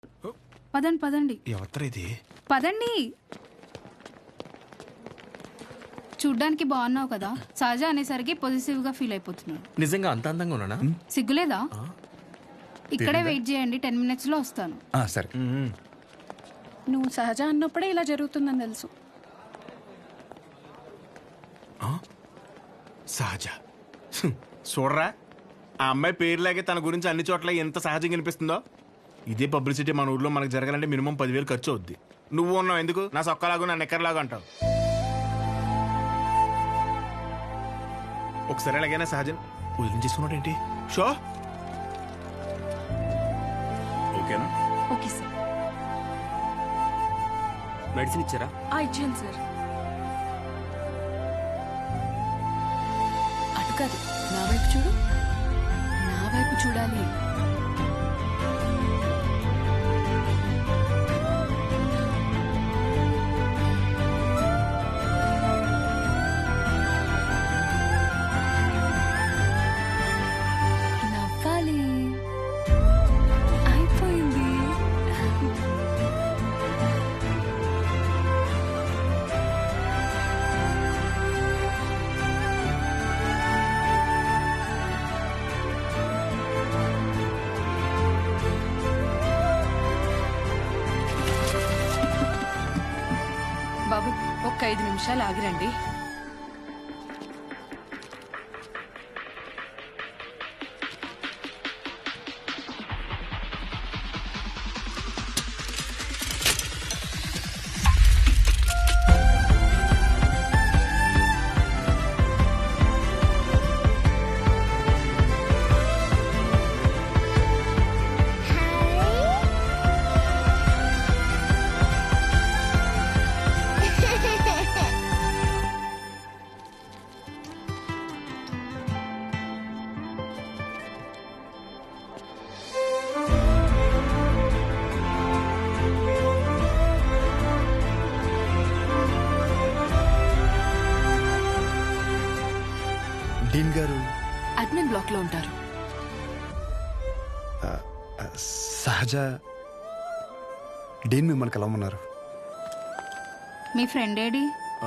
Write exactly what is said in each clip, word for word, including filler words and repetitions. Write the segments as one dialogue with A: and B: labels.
A: పదండి పదండి
B: ఎవరు ఇది?
A: పదండి. చూడ్డానికి బాగున్నావు కదా, సహజ అనేసరికి పొజిటివ్ గా ఫీల్ అయిపోతున్నాడు.
B: నిజంగా అంత అందంగా ఉన్నానా?
A: సిగ్గులేదా? ఇక్కడే వెయిట్ చేయండి, టెన్ మినిట్స్ లో వస్తాను.
C: సరే.
D: నువ్వు సహజ అన్నప్పుడే ఇలా జరుగుతుందని తెలుసు.
B: సహజ హ్మ్. చూడరా, ఆ అమ్మాయి పేరులాగే తన గురించి అన్ని చోట్ల ఎంత సహజంగా అనిపిస్తుందో. ఇదే పబ్లిసిటీ మన ఊర్లో మనకు జరగాలంటే మినిమం పదివేలు ఖర్చు అవుద్ది. నువ్వు ఉన్నావు ఎందుకు నా సొక్కలాగా నా నెక్కర్లాగా అంటావు. ఒకసారి ఎలాగైనా సహజం వదిలించేసుకున్నాడు ఏంటి? షో ఓకేనా?
D: Okay sir.
B: మెడిసిన్ ఇచ్చారా?
D: ఇచ్చాను సార్. అటు కాదు, నా వైపు చూడు. నా వైపు చూడాలి. నవ్వాలి. అయిపోయింది. బాబు, ఒక్క ఐదు నిమిషాలు ఆగిరండి.
C: డీన్ గారు
D: అడ్మిన్ బ్లాక్ లో ఉంటారు.
C: సహజ డీన్ మిమ్మల్ని కలవమన్నారు.
A: మీ ఫ్రెండ్ ఏడి?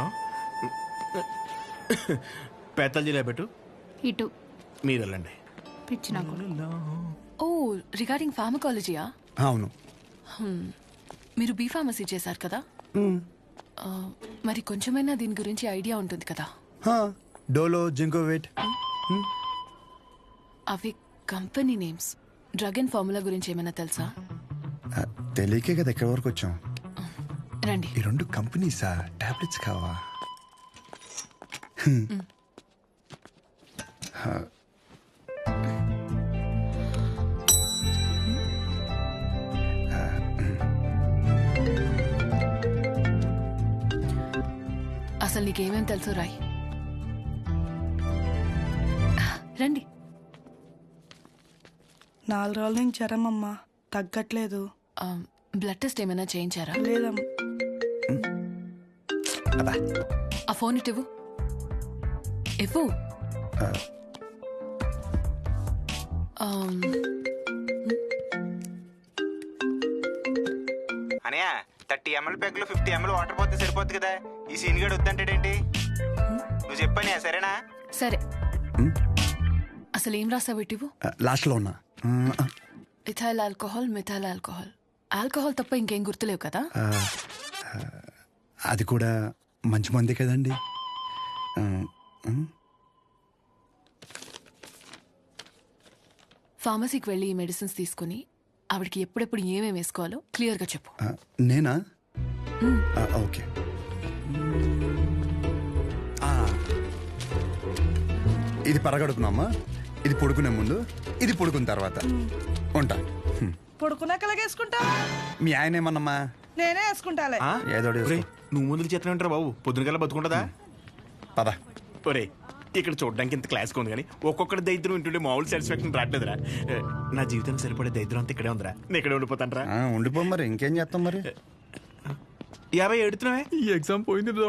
B: పేతల్ జిల్లా పెట్టు,
A: ఇటు
B: మీరు వెళ్ళండి.
A: పిచ్చి నాకు.
D: ఓ, రిగార్డింగ్ ఫార్మకాలజీయా?
C: అవును.
D: మీరు బీ ఫార్మసీ చేశారు కదా, ఆ, మరి కొంచెమైనా దీని గురించి ఐడియా ఉంటుంది కదా.
C: డోలో, జింకోవేట్.
D: అవి company names. Drug and formula గురించి ఏమైనా తెలుసా?
C: తెలియకే కదా ఎక్కడి వరకు వచ్చాం.
D: రండి.
C: ఈ రెండు కంపెనీసా? టాబ్లెట్స్ కావా?
D: అసలు నీకేమేం తెలుసు రాయ్. రండి.
E: నాలుగు రోజుల నుంచి జ్వరం అమ్మా, తగ్గట్లేదు.
D: ఆ, బ్లడ్ టెస్ట్ ఏమైనా చేయించారా?
E: లేదమ్మా.
D: ఆ ఫోన్ ఇటు ఇవ్వు. ఇవ్వు. ఆమ్,
F: అనయా థర్టీ ఎంఎల్ ప్యాక్ లో ఫిఫ్టీ ఎంఎల్ వాటర్ పోతే సరిపోద్ది కదా. ఈ సీన్ గడు వద్దంటాడేంటి? నువ్వు చెప్పానే సరేనా?
D: సరే. అసలు ఏం రాసావు ఇటు?
C: లాస్ట్ లో ఉన్నా.
D: Ethyl alcohol, methyl alcohol. Alcohol తప్ప ఇంకేం గుర్తులేవు కదా?
C: అది కూడా మంచి మంది కదండి.
D: ఫార్మసీకి వెళ్ళి ఈ మెడిసిన్స్ తీసుకుని ఆవిడకి ఎప్పుడెప్పుడు ఏమేమి వేసుకోవాలో క్లియర్గా చెప్పు.
C: నేనా? ఓకే. ఇది పరగడుపునమ్మా, ఇది పొడుకునే ముందు, ఇది పొడుకున్న తర్వాత. ఉంటా.
E: పడుకున్నాక వేసుకుంటా.
C: మీ ఆయన ఏమన్నమ్మా?
E: నేనే వేసుకుంటాలే.
C: ఏదో
B: నువ్వు ముందుకు చేతనే ఉంటారా బాబు? పొద్దున కల్లా బతుకుంటుందా?
C: పద.
B: ఒరే, ఇక్కడ చూడడానికి ఇంత క్లాస్గా ఉంది కానీ ఒక్కొక్కటి దరిద్రం వింటుంటే మామూలు సాటిస్ఫాక్షన్ రావట్లేదురా. నా జీవితం సరిపడే దరిద్రం అంతా ఇక్కడే ఉందిరా. నేను ఇక్కడే ఉండిపోతానరా.
C: ఉండిపో మరి, ఇంకేం చేస్తాం మరి.
B: యాభై ఎడుతున్నావే, ఈ ఎగ్జామ్ పోయింది బ్రో.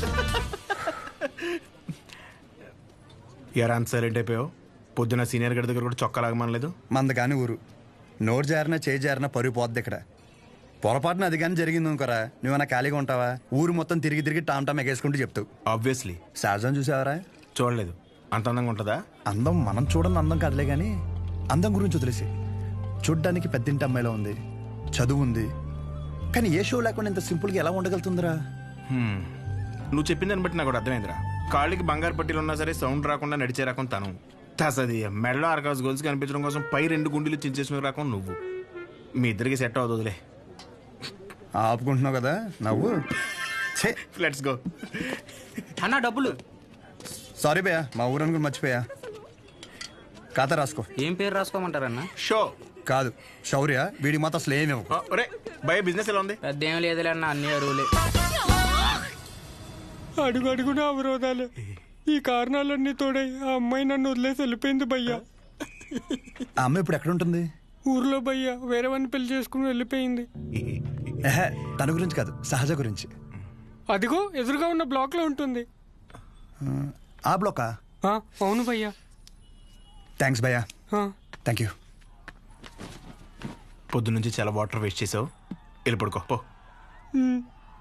B: ఎరా అంత సైలెంట్ అయిపోయావు? పొద్దున సీనియర్ గడి దగ్గర కూడా చొక్కా లాగమనలేదు.
C: మంద కాని ఊరు నోరు జారినా చేయి జారినా పరుగు పోద్ది ఇక్కడ. పొరపాటున అది కానీ జరిగింది అనుకోరా, నువ్వన్నా ఖాళీగా ఉంటావా? ఊరు మొత్తం తిరిగి తిరిగి టామ్ టామ్ ఎగేసుకుంటూ చెప్తావు.
B: ఆబ్వియస్లీ.
C: సహజం చూసావరా?
B: చూడలేదు. అంత అందంగా ఉంటుందా?
C: అందం మనం చూడని అందం కాదులే కానీ అందం గురించి వదిలేసి, చూడ్డానికి పెద్దింటి అమ్మాయిలో ఉంది, చదువు ఉంది, కానీ ఏ షో లేకుండా ఇంత సింపుల్గా ఎలా ఉండగలుగుతుందిరా?
B: హ్మ్. నువ్వు చెప్పిన దాన్ని బట్టి నాకు కూడా అర్థమైందిరా. కాళ్ళకి బంగారు పట్టీలు ఉన్నా సరే సౌండ్ రాకుండా నడిచే రకం తను. తసది మెడలో ఆర్కాస్ గోల్స్ కనిపించడం కోసం పై రెండు గుండెలు చించేసిన రకం నువ్వు. మీ ఇద్దరికి సెట్ అవుతుందిలే.
C: ఆపుకుంటున్నావు కదా నవ్వు.
B: Let's go.
G: అన్న డబ్బులు.
C: సారీ భయ్యా, మా ఊరని కూడా మర్చిపోయా. ఖాతా రాసుకో.
G: ఏం పేరు రాసుకోమంటారన్న?
B: షో
C: కాదు శౌర్య, వీడికి మాత్రం అసలు ఏమి ఇవ్వకు.
B: ఒరే భయ బిజినెస్ ఎలా ఉంది?
G: పెద్ద ఏం లేదులే అన్న, అన్ని అరువులే.
H: అడుగు అడుగున అవరోధాలే. ఈ కారణాలన్నీ తోడై ఆ అమ్మాయి నన్ను వదిలేసి వెళ్ళిపోయింది భయ్యా.
C: ఆ అమ్మాయి ఇప్పుడు ఎక్కడ ఉంటుంది?
H: ఊర్లో భయ్యా వేరే వాడిని పెళ్లి చేసుకుని వెళ్ళిపోయింది.
C: ఎహె, తన గురించి కాదు, సహజ గురించి.
H: అదిగో ఎదురుగా ఉన్న బ్లాక్ లో ఉంటుంది.
C: ఆ బ్లోకా?
H: ఆ, అవును భయ్యా.
C: థ్యాంక్స్ భయ్యా.
H: ఆ.
C: Thank you.
B: పొద్దు నుంచి చాలా వాటర్ వేస్ట్ చేసావు, వెళ్ళి పడుకో పో.
H: ఉమ్.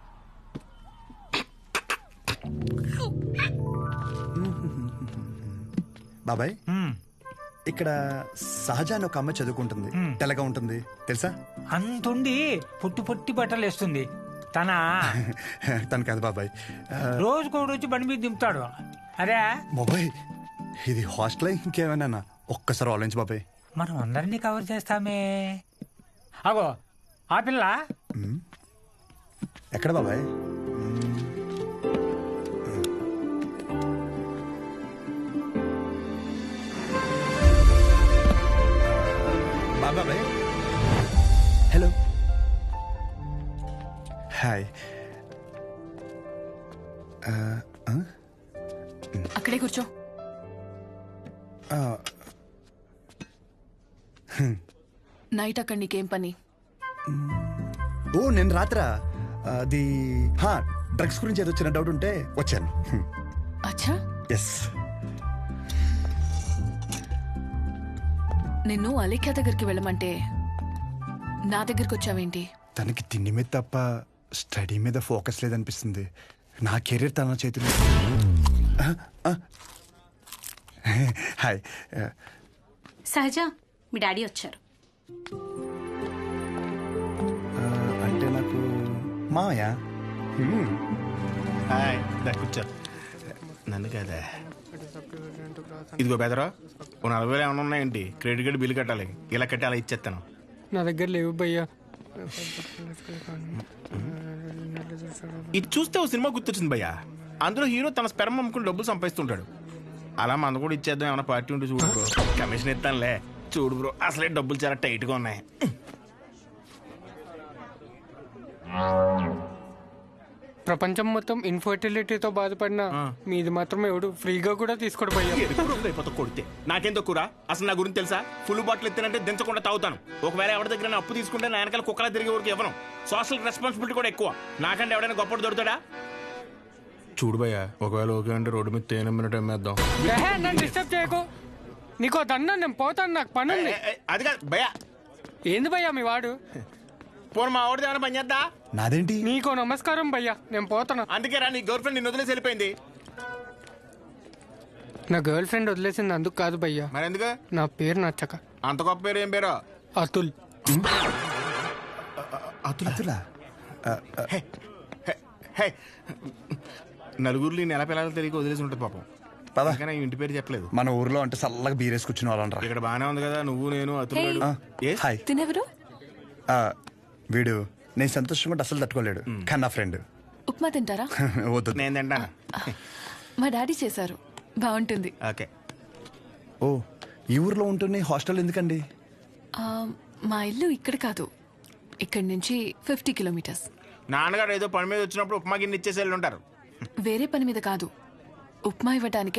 C: బాబాయ్, ఇక్కడ సహజ అని ఒక అమ్మాయి చదువుకుంటుంది, తెల్లగా ఉంటుంది తెలుసా?
I: అంతుండి పుట్టి పుట్టి బట్టలు వేస్తుంది. తన
C: తను కాదు బాబాయ్. ఆ,
I: రోజుకో రోజు బండి మీద దింపుతాడు. అరే
C: బాబాయ్ ఇది హాస్టల్ ఇంకేమైనా? ఒక్కసారి ఆలోచించు బాబాయ్.
I: మనం అందరినీ కవర్ చేస్తామే. అగో ఆ పిల్ల
C: ఎక్కడ బాబాయ్? బాబాయ్ హలో హాయ్.
D: అక్కడే కూర్చో. నైట్ అక్కడ నీకేం పని?
C: ఓ నేను రాత్రా అది డ్రగ్స్ గురించి ఏదో చిన్న డౌట్ ఉంటే వచ్చాను.
D: అచ్చా,
C: ఎస్.
D: నిన్ను అలేఖ్య దగ్గరికి వెళ్ళమంటే నా దగ్గరికి వచ్చావేంటి?
C: తనకి తిండి మీద తప్ప స్టడీ మీద ఫోకస్ లేదనిపిస్తుంది. నా కెరీర్ తన చేతిలో. హాయ్.
A: సహజ, మీ డాడీ వచ్చారు.
C: అంటే నాకు మాయా.
B: హాయ్, దా కూర్చో. నన్ను కదా. ఇదిగో బెదరా, ఓ నలభై వేలు ఏమైనా ఉన్నాయండి? క్రెడిట్ కార్డు బిల్లు కట్టాలి, ఇలా కట్టి అలా ఇచ్చేస్తాను.
H: నా దగ్గర లేవు భయ్యా.
B: ఇది చూస్తే ఓ సినిమా గుర్తొచ్చింది భయ్యా. అందులో హీరో తన స్పెర్మ్ అమ్ముకుని డబ్బులు సంపాదిస్తుంటాడు. అలా మన కూడా ఇచ్చేద్దాం, ఏమైనా పార్టీ ఉంటే చూడు బ్రో. కమిషన్ ఇస్తానులే. చూడు బ్రో, అసలే డబ్బులు చాలా టైట్గా ఉన్నాయి.
H: ప్రపంచం మొత్తం ఇన్ఫర్టిలిటీతో బాధపడినా మీది మాత్రం ఎవడు ఫ్రీగా కూడా తీసుకోడు భయ్యా.
B: అయిపోతా కొడితే నాకేం తక్కువ? అసలు నా గురించి తెలుసా? ఫుల్ బాటిల్ ఎత్తినంటే దించకుండా తాగుతాను. ఒకవేళ ఎవరి దగ్గర నా అప్పు తీసుకుంటే నా వెనకాల కుక్కలా తిరిగే వరకు ఇవ్వను. సోషల్ రెస్పాన్సిబిలిటీ కూడా ఎక్కువ. నాకంటే ఎవడైనా గొప్పడు దొరుకుతాడా? చూడు భయ్యా, ఒకవేళ ఓకే అంటే రోడ్డు మీద తేనె మినిట్ అమ్మేద్దాం.
H: ఏహే, నన్ను డిస్టర్బ్ చేయకు. నీకో దన్నా, నేను పోతాను, నాకు పని ఉంది.
B: అది కాదు భయ్యా.
H: ఏంది భయ్యా మీ వాడు?
B: పోను మా ఆవిడది ఏమైనా పని చేద్దా?
C: నాదేంటి?
H: నీకో నమస్కారం భయ్యా, నేను పోతాను.
B: అందుకే రా, నీ గర్ల్ ఫ్రెండ్ నిన్ను వదిలేసి వెళ్ళిపోయింది.
H: నా గర్ల్ ఫ్రెండ్ వదిలేసింది అందుకు కాదు భయ్యా,
B: మరి ఎందుకు?
H: నా పేరు నచ్చక.
B: అంత గొప్ప పేరు ఏం పేరు?
H: అతుల్.
C: అతులా?
B: హే, హే, హే. నలుగురిలో నెల పిల్లలు తెలియక వదిలేసి ఉంటుంది పాపం.
C: పద.
B: కానీ ఇంటి పేరు చెప్పలేదు.
C: మన ఊర్లో అంటే చల్లగా బీరేసి కూర్చుని వాళ్ళనరా.
B: ఇక్కడ బానే ఉంది కదా, నువ్వు నేను అతను.
C: హాయ్.
D: తినెవరు?
C: ఆ, వీడు నేను సంతోషంగా ఉంటే అసలు తట్టుకోలేడు, కానీ నా ఫ్రెండ్.
D: ఉప్మా తింటారా?
C: వద్దు.
B: నేను తింటాను.
D: మా డాడీ చేశారు, బాగుంటుంది.
B: ఓకే.
C: ఓ, ఈ ఊర్లో ఉంటున్న హాస్టల్ ఎందుకండి?
D: ఆ, మా ఇల్లు ఇక్కడ కాదు, ఇక్కడి నుంచి ఫిఫ్టీ కిలోమీటర్స్.
B: నాన్నగారు ఏదో పని మీద వచ్చినప్పుడు ఉప్మా గిన్నె ఇచ్చేసి వెళ్ళి ఉంటారు.
D: వేరే పని మీద కాదు, ఉప్మా ఇవ్వడానికి